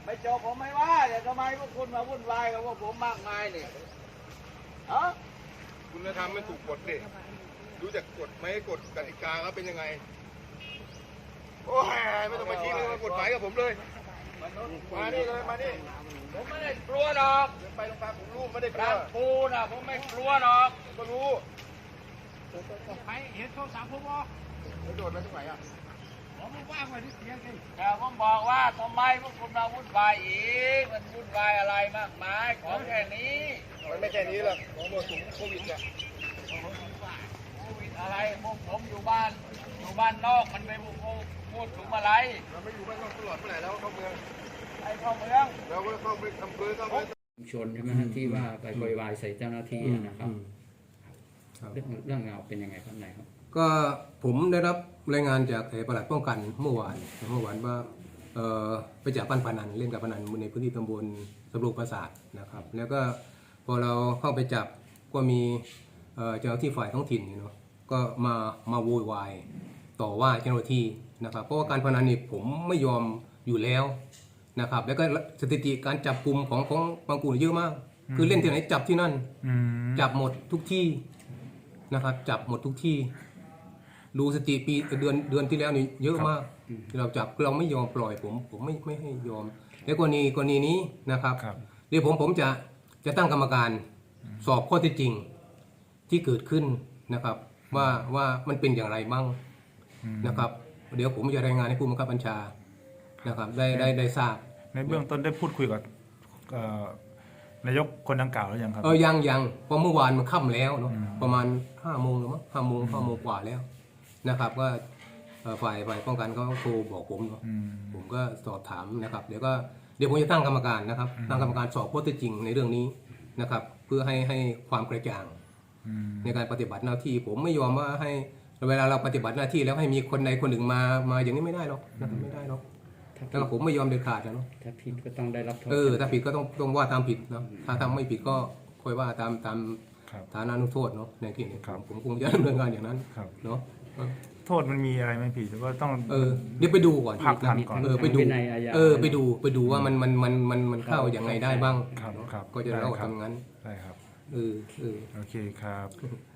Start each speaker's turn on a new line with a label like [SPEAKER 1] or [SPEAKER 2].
[SPEAKER 1] ไม่จบผมไม่ว่าแต่ทำไมพวกคุณมาวุ่นวายกับพวกผมมากมายเนี่ยฮะ
[SPEAKER 2] คุณธรรมไม่ถูกกฎดิรู้จักกฎไหมกฎกติกาเขาเป็นยังไงโอ้ยไม่ต้องมาชี้เลยมากฎหมายกับผมเลยมานี่เลยมานี่
[SPEAKER 1] ผมไม่ได้กลัวหรอก
[SPEAKER 2] ไปโรงพยาบาลผมรู้ไม่ได้กลั
[SPEAKER 1] กาว รปูนะผมไม่กลัวหรอก
[SPEAKER 2] ก็รู้
[SPEAKER 3] ใครเห็นโทรศัพท์ผมบ่
[SPEAKER 2] ไม่โดดมาตรงไหนอ่ะ
[SPEAKER 3] ผมว่างไว้ที่เสียงไง
[SPEAKER 1] แต่ผมบอกว่าทำไมพวกคุณมาวุ่นวายอีกมันวุ่นวายอะไรมากมายของแค่นี้
[SPEAKER 2] มันไม่แค่นี้หรอกของหมดถุงโควิดอ่ะ
[SPEAKER 1] โควิดอะไรพวกผมอยู่บ้านนอกมันไม่พูดถึงอะไร
[SPEAKER 2] เราไม่อยู่บ้านนอกตลอดเมื่อไหร่แล้วเข้าเมือง
[SPEAKER 1] ไอ้เข้าเมือง
[SPEAKER 2] เราก็เข้าไปอำเภอเข้าไป
[SPEAKER 4] ชุมชนใช่ไหมฮะที่ว่าไปโวยวายใส่เจ้าหน้าที่นะครับเรื่องราวเป็นยังไงครับไหนครับ
[SPEAKER 5] ก็ผมได้รับรายงานจากปลัดป้องกันเมื่อวานว่าไปจับปั้นพนันเล่นกับพนันในพื้นที่ตำบลสำโรงปราสาทนะครับแล้วก็พอเราเข้าไปจับก็มีเจ้าหน้าที่ฝ่ายท้องถิ่นเนาะก็มาโวยวายต่อว่าเจ้าหน้าที่นะครับเพราะว่าการพนันนี่ผมไม่ยอมอยู่แล้วนะครับแล้วก็สถิติการจับกลุ่มของบางกลุ่มเยอะมากคือเล่นที่ไหนจับที่นั่นจับหมดทุกที่นะครับจับหมดทุกที่ดูสถิติปีเดือนที่แล้วนี่เยอะมากเราจับเราไม่ยอมปล่อยผมไม่ให้ยอมในกรณีนี้นะครับเดี๋ยวผมจะตั้งกรรมการสอบข้อเท็จจริงที่เกิดขึ้นนะครับว่ามันเป็นอย่างไรบ้างนะครับเดี๋ยวผมจะรายงานให้ผู้บังคับบัญชานะครับได้ทราบ
[SPEAKER 3] ในเบื้องต้นได้พูดคุยกับนายกคนดังกล่าวแล้วยังครับ
[SPEAKER 5] ยังเพราะเมื่อวานมันค่ำแล้วเนาะประมาณ5 โมงหรือมั้ง5 โมงกว่าแล้วนะครับว่าฝ่ายป้องกันเขาโทรบอกผมเนาะผมก็สอบถามนะครับเดี๋ยวผมจะตั้งกรรมการนะครับตั้งกรรมการสอบข้อเท็จจริงในเรื่องนี้นะครับเพื่อให้ความกระจ่างในการปฏิบัติหน้าที่ผมไม่ยอมว่าให้เวลาเราปฏิบัติหน้าที่แล้วให้มีคนใดคนหนึ่งมาอย่างนี้ไม่ได้หรอกนะครับไม่ได้หรอกแล้วผมไม่ยอมเด็ดขาดนะเนาะ
[SPEAKER 4] ถ้าผิดก็ต้องได้รับโทษ
[SPEAKER 5] ถ้าผิดก็ต้องว่าตามผิดเนาะถ้าทำไม่ผิดก็ค่อยว่าตามฐานานุโทษเนาะในที่นี้ผมคงจะดำเนินงานอย่างนั้นเนาะ
[SPEAKER 3] โทษมันมีอะไรไหมพี่หรือว่าต้อง
[SPEAKER 5] เดี๋ยวไปดูก่อน
[SPEAKER 3] พักทันก่อน
[SPEAKER 5] ไปดูว่ามันเข้าอย่างไงได้บ้างก็จะเล่าทำงั้น
[SPEAKER 3] ได้ครับ
[SPEAKER 5] โอ
[SPEAKER 3] เคครับ